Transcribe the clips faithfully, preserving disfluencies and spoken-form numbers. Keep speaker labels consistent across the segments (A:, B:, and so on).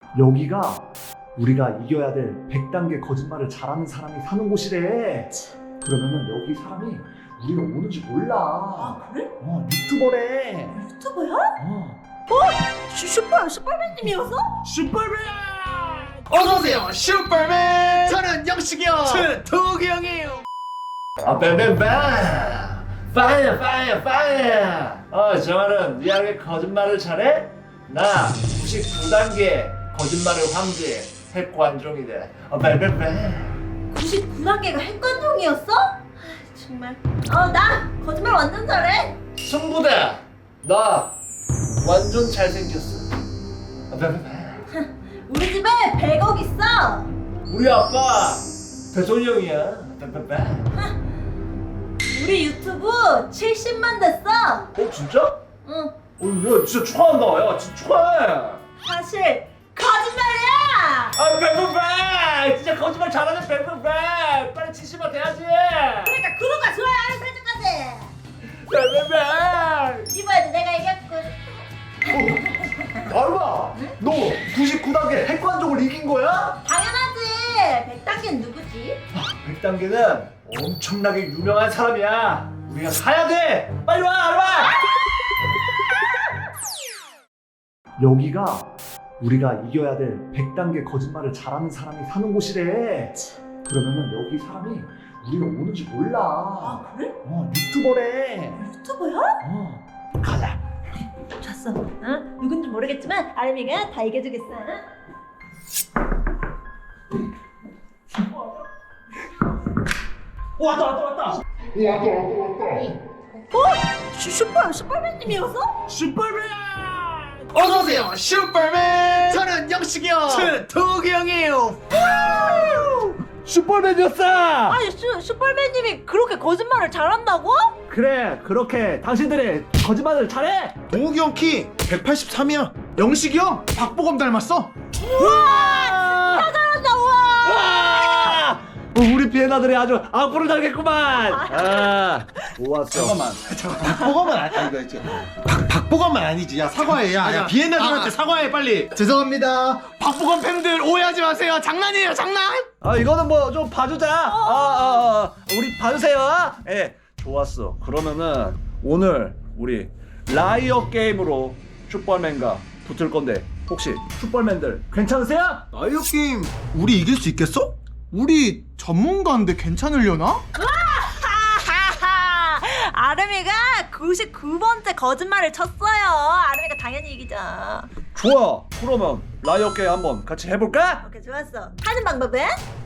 A: 여기가 우리가 이겨야 될 백 단계 거짓말을 잘하는 사람이 사는 곳이래. 그러면은 여기 사람이 우리가 오는지 몰라.
B: 아 그래?
A: 어, 유튜버래.
B: 유튜버야?
A: 어.
B: 슈, 슈퍼 슈퍼맨님이었어?
A: 슈퍼맨!
C: 어서오세요 슈퍼맨. 저는 영식이 형. 저는 도기 형이에요.
A: 아, 뱀뱀뱀! 파이어, 파이어, 파이어! 어, 정아는 리얼하게 거짓말을 잘해? 나 구십구 단계 거짓말을 황제 핵관종이래. 어, 뱀뱀뱀!
B: 구십구 단계가 핵관종이었어? 아, 정말 어나 거짓말 완전 잘해.
A: 승부다! 나 완전 잘생겼어. 아, 뱀뱀뱀!
B: 우리 집에 백억 있어.
A: 우리 아빠 대통령이야. 뱀뱀뱀!
B: 우리 유튜브 칠십만 됐어.
A: 어, 진짜?
B: 응.
A: 어, 야, 진짜 축하한다. 야, 진짜 축하해.
B: 사실 거짓말이야.
A: 아, 뱀뱀뱀! 진짜 거짓말 잘하는 뱀뱀뱀! 빨리 칠십만 돼야지!
B: 그러니까 구독과 좋아요 알람 설정까지.
A: 뱀뱀뱀!
B: 이번에도 내가 이겼군.
A: 알바! 너 구십구 단계 핵관종을 이긴 거야?
B: 당연하지. 백 단계는 누구지?
A: 백 단계는 엄청나게 유명한 사람이야. 우리가 사야 돼! 빨리 와, 알바! 여기가 우리가 이겨야 될 백 단계 거짓말을 잘하는 사람이 사는 곳이래. 그러면은 여기 사람이 우리가 오는지 몰라.
B: 아 그래?
A: 어, 유튜버래.
B: 유튜버야?
A: 어, 가자.
B: 좋았어. 응? 누군지 모르겠지만 아름이가 다 이겨주겠어.
A: 왔다, 왔다, 왔다.
B: 어? 슈, 슈퍼 슈퍼맨님이었어?
A: 슈퍼맨!
C: 어서오세요 슈퍼맨. 저는 영식이 형. 저는 도기 형이에요.
A: 슈퍼맨이었어!
B: 아니 슈, 슈퍼맨님이 그렇게 거짓말을 잘한다고?
A: 그래, 그렇게 당신들이 거짓말을 잘해.
C: 도기 형 키 백팔십삼이야. 영식이 형 박보검 닮았어.
A: 우와!
B: 잘한다 우와.
A: 우와! 어, 우리 비엔나들이 아주 악보를 달겠구만. 아, 좋았어.
C: 잠깐만. 잠깐 박보검은 아니 아니 이거 있지. 박 박보검은 아니지. 야 사과해. 야, 야 비엔나들한테
D: 아,
C: 사과해 빨리. 죄송합니다. 박보검 팬들 오해하지 마세요. 장난이에요 장난.
A: 아, 이거는 뭐 좀 봐주자. 아, 아, 아, 우리 봐주세요. 예, 좋았어. 그러면은 오늘 우리 라이어 게임으로 슈퍼맨과 붙을 건데 혹시 슈퍼맨들 괜찮으세요?
D: 라이어 게임 우리 이길 수 있겠어? 우리 전문가인데 괜찮으려나?
B: 하하하. 아름이가 구십구 번째 거짓말을 쳤어요. 아름이가 당연히 이기죠.
A: 좋아. 그러면 라이어 게임 한번 같이 해볼까?
B: 오케이 좋았어. 하는 방법은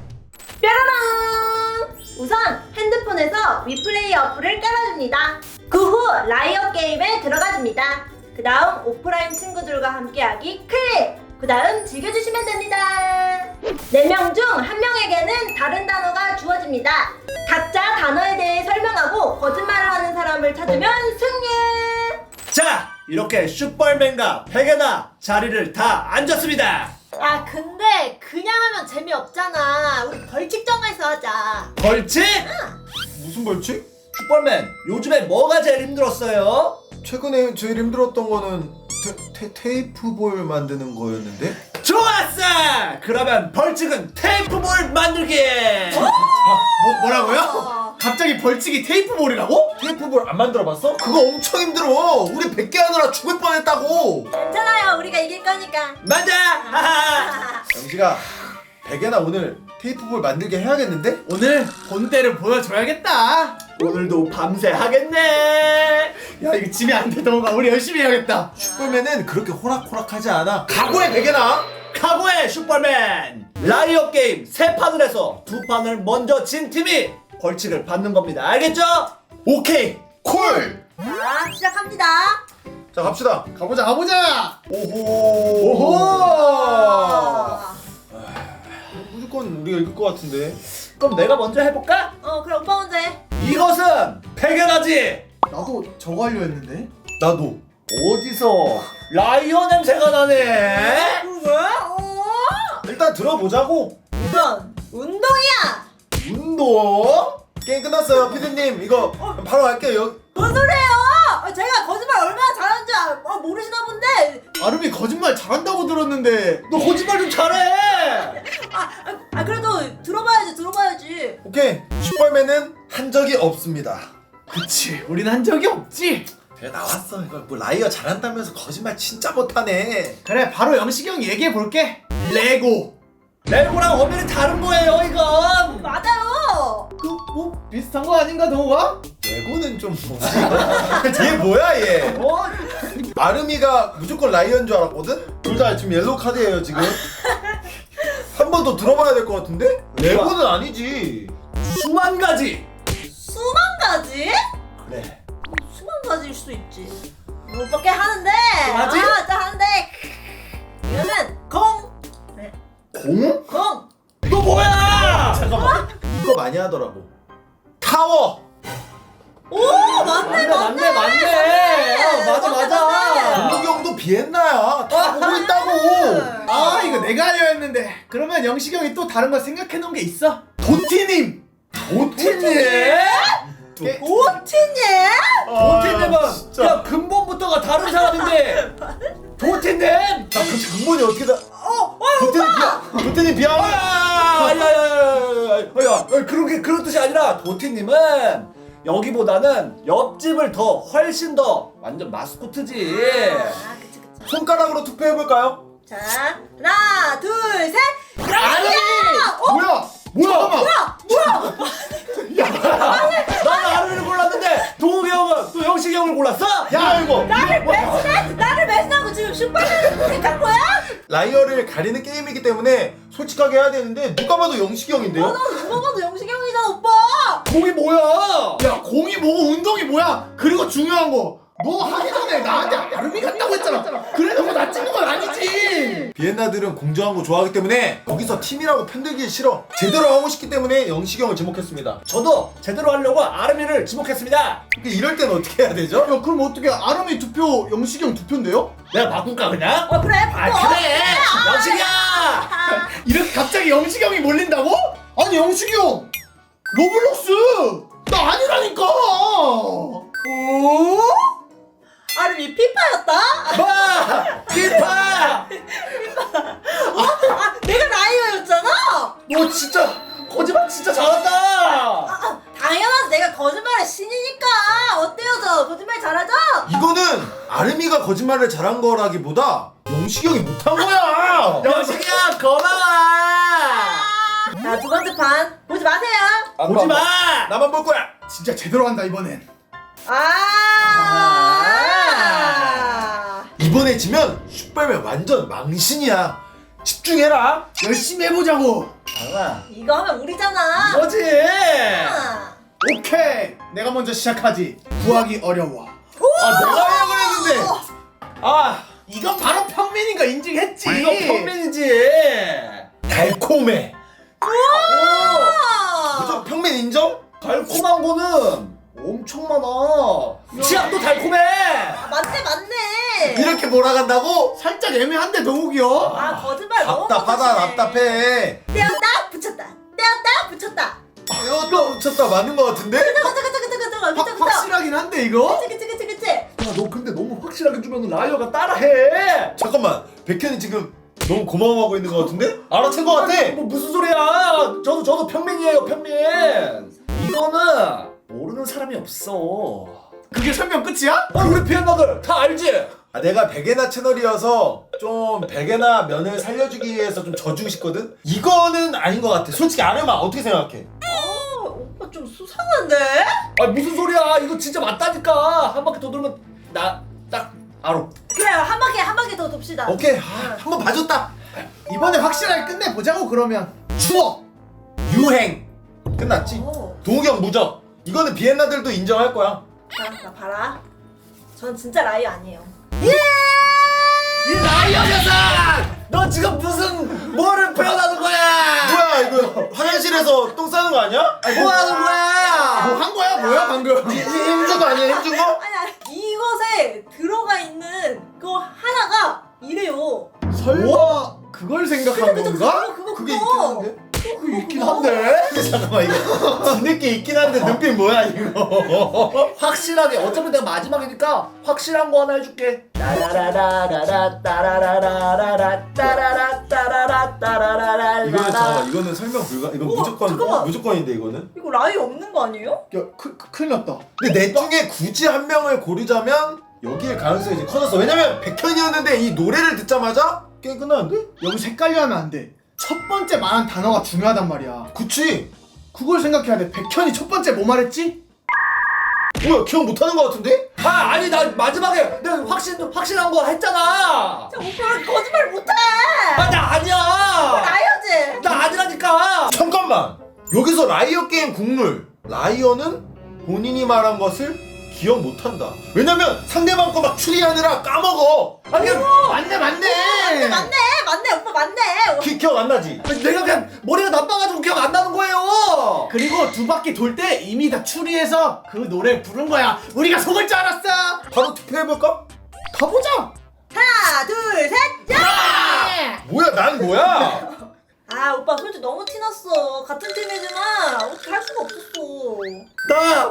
B: 뾰로롱. 우선 핸드폰에서 위플레이 어플을 깔아줍니다. 그 후 라이어 게임에 들어가줍니다. 그 다음 오프라인 친구들과 함께하기 클릭. 그 다음 즐겨주시면 됩니다. 네 명 중 한 명에게는 다른 단어가 주어집니다. 각자 단어에 대해 설명하고 거짓말을 하는 사람을 찾으면 승리.
A: 자, 이렇게 슈퍼맨과 베개나 자리를 다 앉았습니다.
B: 야 근데 그냥 하면 재미없잖아. 우리 벌칙 정해서 하자.
A: 벌칙?
D: 무슨 벌칙?
A: 슈퍼맨, 요즘에 뭐가 제일 힘들었어요?
D: 최근에 제일 힘들었던 거는 테, 테, 테이프볼 만드는 거였는데?
A: 좋았어! 그러면 벌칙은 테이프볼 만들기!
D: 뭐, 뭐라고요?
B: 어.
D: 갑자기 벌칙이 테이프볼이라고? 테이프볼 안 만들어봤어? 그거 엄청 힘들어. 우리 백 개 하느라 죽을 뻔했다고.
B: 괜찮아요. 우리가 이길 거니까.
A: 맞아! 하하!
D: 영식아, 백예나 오늘 테이프볼 만들게 해야겠는데?
C: 오늘 본때를 보여줘야겠다.
A: 오늘도 밤새 하겠네!
D: 야, 이거 지면 안 되던가. 우리 열심히 해야겠다. 슈퍼맨은 그렇게 호락호락하지 않아. 각오해, 백예나.
A: 각오해, 슈퍼맨! 라이어 게임 세 판을 해서 두 판을 먼저 진 팀이 벌칙을 받는 겁니다. 알겠죠?
D: 오케이, 콜.
B: 자 시작합니다.
D: 자, 갑시다.
C: 가보자 가보자.
D: 오호.
B: 오호.
D: 무조건 우리가 이길 것 같은데.
A: 그럼 내가 먼저 해볼까?
B: 어 그럼 오빠 먼저 해.
A: 이것은 백연하지!
D: 나도 저거 하려 했는데. 나도.
A: 어디서 라이어 냄새가 나네?
B: 뭐야? 어?
D: 일단 들어보자고.
B: 이건 운동이야.
D: 운동? 게임 끝났어요, 피디님. 이거 바로 갈게요.
B: 뭔 소리예요? 아, 제가 거짓말 얼마나 잘하는지 진짜 아, 모르시나 본데.
C: 아름이 거짓말 잘한다고 들었는데.
A: 너 거짓말 좀 잘해.
B: 아, 아, 아 그래도 들어봐야지 들어봐야지.
D: 오케이. 슈퍼맨은 한 적이 없습니다.
C: 그치, 우린 한 적이 없지.
D: 그래 나왔어. 이거 뭐 라이어 잘한다면서 거짓말 진짜 못하네.
C: 그래, 바로 영식이 형 얘기해 볼게. 레고.
A: 레고랑 엄연히 다른 거예요 이건.
B: 맞아요.
C: 그 뭐 비슷한 거 아닌가 동호가?
D: 레고는 좀 뭐지? 얘 뭐야 얘?
A: 어?
D: 아름이가 무조건 라이어인 줄 알았거든? 둘 다 지금 옐로우 카드예요 지금. 한 번 더 들어봐야 될 것 같은데? 레고는 아니지.
A: 수만 가지.
B: 수만 가지?
D: 그래.
B: 수만 가지일 수 있지. 못 받게 하는데.
A: 맞지?
B: 아, 또 하는데. 이거는 공. 네.
D: 공?
B: 공.
A: 이거 뭐야?
D: 잠깐만. 이거 많이 하더라고. 타워.
B: 오, 맞네,
A: 맞네, 맞네. 어, 맞아, 맞아.
D: 동욱이 형도 비엔나야. 다 보고 있다고.
C: 아, 이거 내가 하려 했는데. 그러면 영식이 형이 또 다른 거 생각해 놓은 게 있어? 도티님.
A: 도티님?
B: 오티님?
A: 도티님은
D: 아, 진짜.
A: 그냥 근본부터가 다른 사람인데. 도티님?
D: 나 그 근본이 어떻게 다?
B: 어, 어,
D: 도태님 비하. 도태님 비하.
A: 야야야야야야 그런 게 그런 뜻이 아니라 도티님은 여기보다는 옆집을 더 훨씬 더 완전 마스코트지.
B: 아, 그치, 그치.
D: 손가락으로 투표해 볼까요?
B: 자, 하나, 둘, 셋.
A: 아니!
B: 어?
C: 뭐야? 뭐야?
B: 뭐야? 뭐야?
A: 난 아르를 골랐는데 동욱이 형은 또 영식이 형을 골랐어?
D: 야 이거.
B: 나를 배신해? 나를 배신하고 지금 슈퍼맨을 선택한 거야?
D: 라이어를 가리는 게임이기 때문에 솔직하게 해야 되는데 누가 봐도 영식이 형인데요?
B: 어, 나 누가 봐도 영식이 형이잖아, 오빠.
A: 공이 뭐야?
C: 야, 공이 뭐고 운동이 뭐야? 그리고 중요한 거. 너 하기 전에 나한테 아름이 같다고 했잖아. 그래놓고 나 찍는 건 아니지.
D: 비엔나들은 공정한 거 좋아하기 때문에 거기서 팀이라고 편들기 싫어. 제대로 하고 싶기 때문에 영식이 형을 지목했습니다.
A: 저도 제대로 하려고 아르미를 지목했습니다.
D: 근데 이럴 때는 어떻게 해야 되죠?
C: 야, 그럼 어떻게 아름이 두 표, 영식이 형 두 표인데요?
A: 내가 바꿀까 그냥?
B: 어, 그래.
A: 아
B: 바꿔.
A: 그래 영식이야.
B: 아,
C: 이렇게 갑자기 영식이 형이 몰린다고? 아니, 영식이 형 로블록스 나 아니라니까.
B: 오? 아름이 피파였다?
A: 마 피파.
B: 아, 내가 라이어였잖아?
A: 너 진짜 거짓말 진짜 잘한다.
B: 아, 당연하지. 내가 거짓말의 신이니까. 어때요, 저? 거짓말 잘하죠?
D: 이거는 아름이가 거짓말을 잘한 거라기보다 영식이 형이 못한 거야.
A: 영식이야 고마워.
B: 자, 두 번째 판. 보지 마세요.
A: 보지 마.
D: 나만 볼 거야.
C: 진짜 제대로 한다 이번엔.
B: 아.
D: 이번에 지면 슈퍼맨 완전 망신이야. 집중해라.
C: 열심히 해보자고.
A: 장아
B: 이거 하면 우리잖아.
A: 이거지.
B: 아.
C: 오케이, 내가 먼저 시작하지. 구하기 어려워.
D: 아 내가 하려고 했는데.
A: 아
C: 이건 바로 평민이가 인증했지.
A: 이거 평민이지.
D: 달콤해.
B: 아.
D: 그죠? 평민 인정?
A: 달콤한 거는 엄청 많아. 치약도 달콤해.
B: 아, 맞네, 맞네.
D: 이렇게 몰아간다고?
C: 살짝 애매한데 동욱이 형.
B: 아, 거짓말 너무
D: 답답하다
B: 못하시네.
D: 답답해.
B: 떼었다, 붙였다. 떼었다, 붙였다.
D: 이것도 붙였다 맞는 거 같은데?
B: 그쵸, 그쵸, 그쵸, 그쵸, 그쵸.
C: 확,
B: 그쵸, 그쵸.
C: 확실하긴 한데 이거?
B: 그치, 그치, 그치, 그치.
A: 야, 너 근데 너무 확실하게 주면 라이어가 따라해.
D: 잠깐만 백현이 지금 너무 고마워하고 있는 거 같은데? 알아챈 거 같아.
A: 뭐 무슨 소리야? 저도 저도 평민이에요, 평민. 이거는 모르는 사람이 없어.
C: 그게 설명 끝이야?
A: 아, 우리 피엔나들 다 알지?
D: 아, 내가 백예나 채널이어서 좀 백예나 면을 살려주기 위해서 좀 져주고 싶거든? 이거는 아닌 것 같아. 솔직히 아름아 어떻게 생각해?
B: 어, 오빠 좀 수상한데?
A: 아 무슨 소리야? 이거 진짜 맞다니까. 한 바퀴 더 돌면 나 딱 알아.
B: 그래, 한 바퀴, 한 바퀴 더 돕시다.
D: 오케이 아, 한번 봐줬다.
C: 이번에 확실하게 끝내보자고 그러면. 추억.
D: 유행 끝났지?
B: 오.
D: 동욱이 형 무적. 이거는 비엔나들도 인정할 거야.
B: 자, 나 봐라. 전 진짜 라이어 아니에요.
A: 이 라이어 녀석! 너 지금 무슨 뭐를 표현하는 거야?
D: 뭐야 이거 화장실에서 똥 싸는 거 아니야?
A: 뭐 하는 거야?
C: 뭐 한 거야 뭐야 방금?
D: 힘준 거 아니야 힘준 거?
B: 아니, 아니, 이것에 들어가 있는 그거 하나가 이래요.
C: 설마 그걸 생각한
B: 그쵸, 그쵸,
C: 건가?
B: 그거, 그거,
D: 그게
B: 그거.
D: 있긴 한데?
C: 있긴 한데.
D: 잠깐만 이거 뒤늦게 있긴 한데 눈빛 뭐야 이거?
A: 확실하게 어차피 내가 마지막이니까 확실한 거 하나 해줄게. 따라라라라라 따라라라라라 따라라 따라라 따라라라.
D: 이거는 잠깐만 이거는 설명 불가. 이건
B: 우와,
D: 무조건
B: 잠깐만.
D: 무조건인데 이거는.
B: 이거 라이 없는 거 아니에요?
C: 야, 크, 크, 큰일 났다.
D: 근데 넷 중에 굳이 한 명을 고르자면 여기에 가능성이 이제 커졌어. 왜냐면 백현이었는데 이 노래를 듣자마자 게임 끝나는데?
C: 여기서 헷갈려 하면 안 돼. 첫 번째 말한 단어가 중요하단 말이야.
D: 그치?
C: 그걸 생각해야 돼. 백현이 첫 번째 뭐 말했지?
D: 뭐야 기억 못하는 거 같은데?
A: 아 아니 나 마지막에 내가 확신 확실한 거 했잖아.
B: 자, 오빠 거짓말 못해.
A: 아 나 아니야.
B: 라이어지.
A: 나 아니라니까.
D: 잠깐만! 여기서 라이어 게임 국룰 라이어는 본인이 말한 것을 기억 못한다. 왜냐면 상대방 거 막 추리하느라 까먹어.
A: 아니
C: 맞네, 맞네.
B: 맞네, 맞네, 오빠 맞네.
D: 기, 기억 안 나지?
A: 내가 그냥 머리가 나빠가지고 기억 안 나는 거예요.
C: 그리고 두 바퀴 돌 때 이미 다 추리해서 그 노래 부른 거야. 우리가 속을 줄 알았어.
D: 바로 투표해볼까?
C: 가보자.
B: 하나, 둘, 셋, 야!
D: 뭐야 난 뭐야?
B: 아, 오빠 솔직히 너무 티났어. 같은 팀이지만 어떻게 할 수가 없었어.
A: 나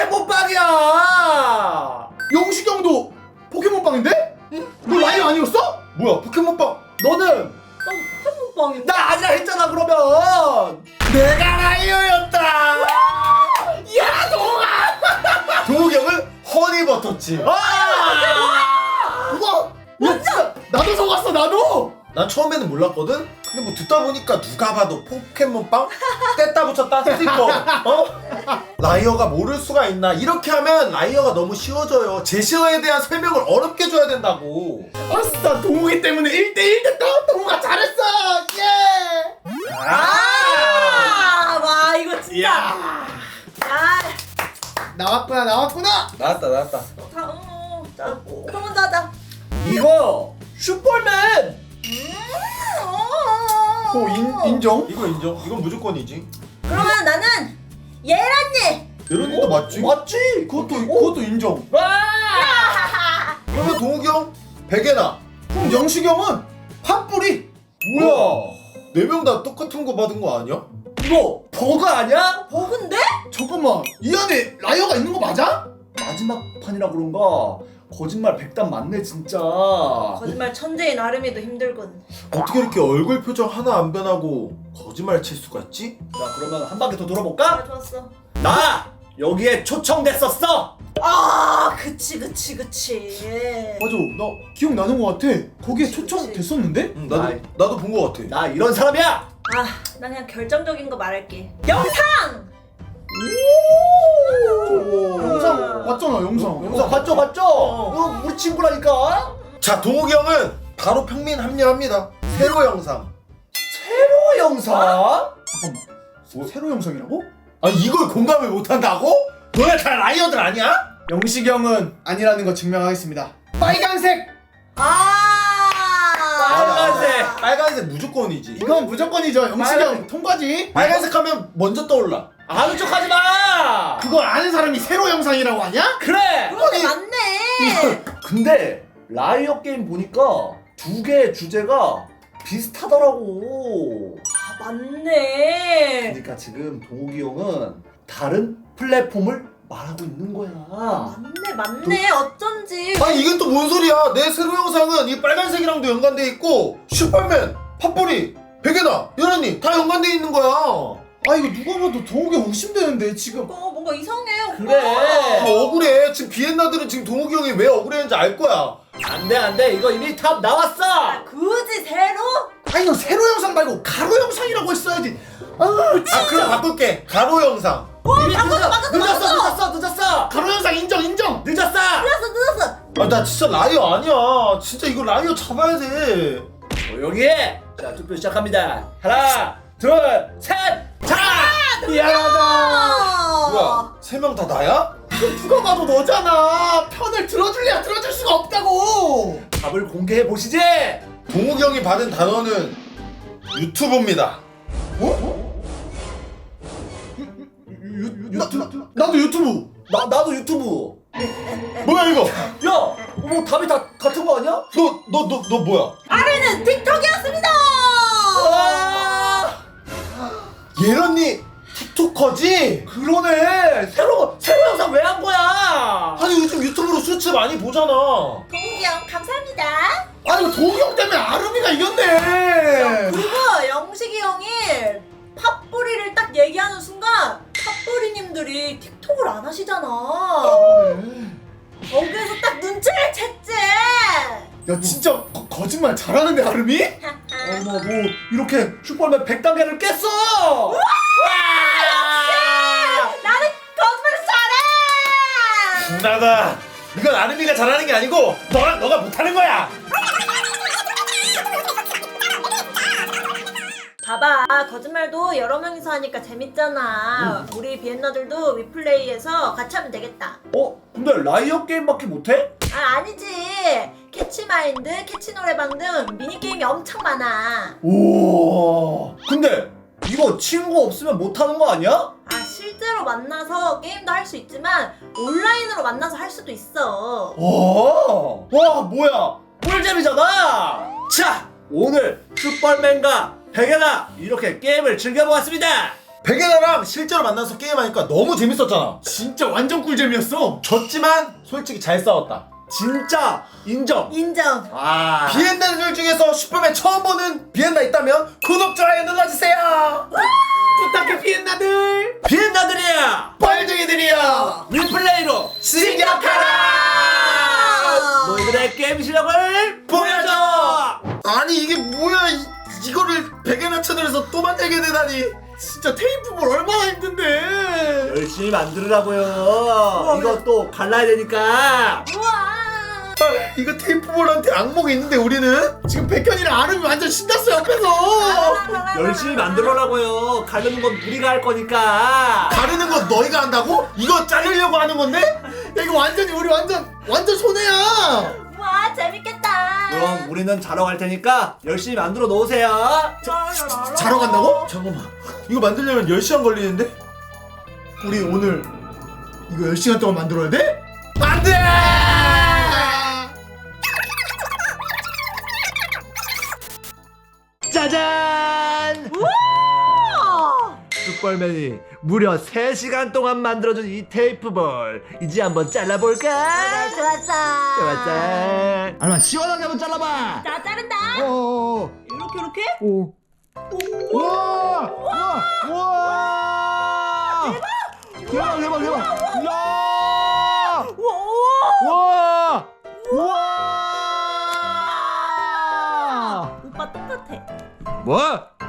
A: 포켓몬빵이야.
C: 영식이 형도 포켓몬빵인데? 너 라이어 아니었어?
D: 뭐야 포켓몬빵
A: 너는
B: 나 포켓몬빵인데?
A: 나 아니라 했잖아 그러면.
D: 내가 라이어였다.
C: 야, 너가!
D: 동욱이 형은 허니버터칩.
A: 아!
C: 우와! 완전! 나도 속았어, 나도!
D: 난 처음에는 몰랐거든? 근데 뭐 듣다 보니까 누가 봐도 포켓몬빵? 뗐다 붙였다 스티커 어? 라이어가 모를 수가 있나. 이렇게 하면 라이어가 너무 쉬워져요. 제시어에 대한 설명을 어렵게 줘야 된다고.
C: 아싸, 동욱이 때문에 일 대 일 됐다! 동욱아 잘했어! 예!
B: 아, 와, 이거 진짜.
C: 야.
B: 아,
C: 나왔구나, 나왔구나!
D: 나왔다 나왔다.
B: 다, 어, 자, 그럼 먼저 하자.
A: 이거 슈퍼맨.
B: 음, 어.
C: 어, 인, 인정?
D: 이거 인정. 이건 무조건이지.
B: 그러면 나는 예란이.
D: 예런이도 맞지?
A: 맞지?
C: 그것도, 그것도 인정.
A: 와!
D: 그러면 동욱이 형 베개나.
C: 그럼 영식이 형은 팥뿌리!
A: 뭐야?
D: 네 명 다 똑같은 거 받은 거 아니야?
A: 이거 버그 아니야?
B: 버그인데?
C: 잠깐만, 이 안에 라이어가 있는 거 맞아?
A: 마지막 판이라 그런가 거짓말 백단 맞네 진짜.
B: 거짓말 천재인 아름이도 힘들군.
D: 어떻게 이렇게 얼굴 표정 하나 안 변하고 거짓말 칠 수가 있지?
A: 자 그러면 한 바퀴 더 돌아볼까?
B: 아, 좋았어.
A: 나 여기에 초청됐었어.
B: 아, 그치, 그치, 그치.
C: 맞아, 나 기억나는 거 같아. 거기에
B: 그치,
C: 초청
B: 그치.
C: 됐었는데?
D: 응, 나도
A: 아이.
D: 나도 본 거 같아.
A: 나 이런 사람이야.
B: 아, 나 그냥 결정적인 거 말할게. 영상!
C: 영상 봤잖아, 영상.
A: 영상 봤죠 봤죠? 이거 우리 친구라니까.
D: 자 동욱이 형은 바로 평민 합류합니다. 세로 영상.
A: 새로 영상?
C: 잠깐만, 뭐, 새로 영상이라고?
D: 아니 이걸 공감을 못한다고? 너네 다 라이어들 아니야?
C: 영식이 형은 아니라는 거 증명하겠습니다. 빨간색!
B: 아!
A: 빨간색.
D: 빨간색 무조건이지.
C: 이건 무조건이죠. 영식이
A: 빨간-
C: 형 통과지.
D: 빨간색 하면 먼저 떠올라.
A: 아는 척하지 마.
C: 그걸 아는 사람이 새로 영상이라고 하냐?
A: 그래.
B: 그러네, 맞네.
A: 근데 라이어 게임 보니까 두 개의 주제가 비슷하더라고.
B: 아, 맞네.
A: 그러니까 지금 동욱이 형은 다른 플랫폼을 말하고 있는 거야.
B: 맞네, 맞네. 어쩐지.
D: 아니 이건 또 뭔 소리야? 내 세로 영상은 이 빨간색이랑도 연관돼 있고 슈퍼맨, 팥뿌리, 베개나, 예런이 다 연관돼 있는 거야.
C: 아, 이거 누가 봐도 동욱이 형 의심되는데 지금.
B: 어, 뭔가 이상해, 오빠.
A: 그래.
D: 아, 억울해. 지금 비엔나들은 지금 동욱이 형이 왜 억울했는지 알 거야.
A: 안돼 안돼 이거 이미 탑 나왔어.
B: 아, 굳이 새로?
C: 아니, 너 새로 영상 말고 가로 영상이라고 했어야지. 아,
D: 아 그럼 바꿀게. 가로 영상.
A: 이미 늦었어
B: 맞았어,
A: 늦었어
B: 맞았어.
A: 늦었어 늦었어
C: 가로 영상 인정, 인정.
A: 늦었어.
B: 늦었어, 늦었어.
D: 아 나 진짜 라이어 아니야. 진짜 이거 라이어 잡아야 돼.
A: 조용히 해. 자 투표 시작합니다. 하나 둘셋자
C: 미안하다.
D: 뭐야? 세 명 다 나야?
C: 이거 누가 봐도 너잖아. 편을 들어줄래야 들어줄 수가 없다고.
A: 답을 공개해 보시지.
D: 동욱이 형이 받은 단어는 유튜브입니다.
C: 어? 유, 유, 유튜브? 나도 유튜브.
A: 나 나도 유튜브.
D: 뭐야 이거?
A: 야, 뭐 답이 다 같은 거 아니야?
D: 너 너 너 너 뭐야?
B: 아래는 틱톡이었습니다.
A: 아!
D: 예런이 틱토커지?
A: 그러네. 새로 새로 영상 왜 한 거야?
D: 아니 요즘 유튜브로 수츠 많이 보잖아.
B: 동욱이 형 감사합니다.
C: 아니 이거 도욱이 형 때문에 아름이가 이겼네.
B: 그리고 영식이 형이 팥뿌리를 딱 얘기하는 순간 팥뿌리님들이 틱톡을 안 하시잖아. 거기에서 딱 눈치를 챘지.
C: 야 진짜 거, 거짓말 잘하는데 아름이?
A: 어머 뭐 이렇게 슈퍼맨 백 단계를 깼어.
B: 나는 거짓말을 잘해.
D: 나다. 이건 아름이가 잘하는 게 아니고 너랑 너가 못하는 거야.
B: 봐봐, 거짓말도 여러 명이서 하니까 재밌잖아. 우리 비엔나들도 위플레이에서 같이 하면 되겠다.
A: 어? 근데 라이어 게임밖에 못해?
B: 아, 아니지. 캐치마인드, 캐치노래방 등 미니게임이 엄청 많아.
A: 오. 근데 이거 친구 없으면 못하는 거 아니야?
B: 아, 실제로 만나서 게임도 할 수 있지만 온라인으로 만나서 할 수도 있어.
A: 오. 와 뭐야? 꿀잼이잖아. 자 오늘 슈퍼맨과 백예나 이렇게 게임을 즐겨보았습니다.
D: 백예나랑 실제로 만나서 게임하니까 너무 재밌었잖아.
C: 진짜 완전 꿀잼이었어.
D: 졌지만 솔직히 잘 싸웠다.
A: 진짜 인정.
B: 인정.
A: 아.
D: 비엔나들 중에서 슈퍼맨 처음 보는 비엔나 있다면 구독, 좋아요 눌러주세요.
A: 부탁해 비엔나들. 비엔나들이야.
C: 빨쟁이들이야.
A: 리플레이로
D: 진격하라.
A: 너희들의 게임 실력을 보여줘.
D: 아니 이게 뭐야? 이, 이거를 백예나 채널에서 또 만들게 되다니.
C: 진짜 테이프볼 얼마나 힘든데.
A: 열심히 만들으라고요. 이거 또 갈라야 되니까.
B: 우와.
D: 아, 이거 테이프볼한테 악몽이 있는데 우리는
C: 지금 백현이랑 아름이 완전 신났어 옆에서.
A: 열심히 만들어라고요. 가르는 건 우리가 할 거니까.
D: 가르는 거 너희가 한다고? 이거 자르려고 하는 건데?
C: 야 이거 완전히 우리 완전 완전 손해야.
B: 우와, 재밌겠다.
A: 그럼 우리는 자러 갈 테니까 열심히 만들어 놓으세요.
C: 자러 간다고?
D: 잠깐만, 이거 만들려면 열 시간 걸리는데?
C: 우리 오늘 이거 열 시간 동안 만들어야 돼?
D: 안돼!
A: 짜잔!
B: 우와.
A: 슈퍼맨이 무려 세 시간 동안 만들어준 이 테이프볼 이제 한번 잘라볼까?
B: 그래, 좋았어.
A: 좋았어. 알마 시원하게 한번 잘라봐.
B: 자, 자른다.
A: 어.
B: 이렇게, 이렇게.
A: 오. 와! 와! 와! 대박! 대박 대박! 야!
B: 우와.
A: 와! 와!
B: 오빠 똑같아.
A: 뭐?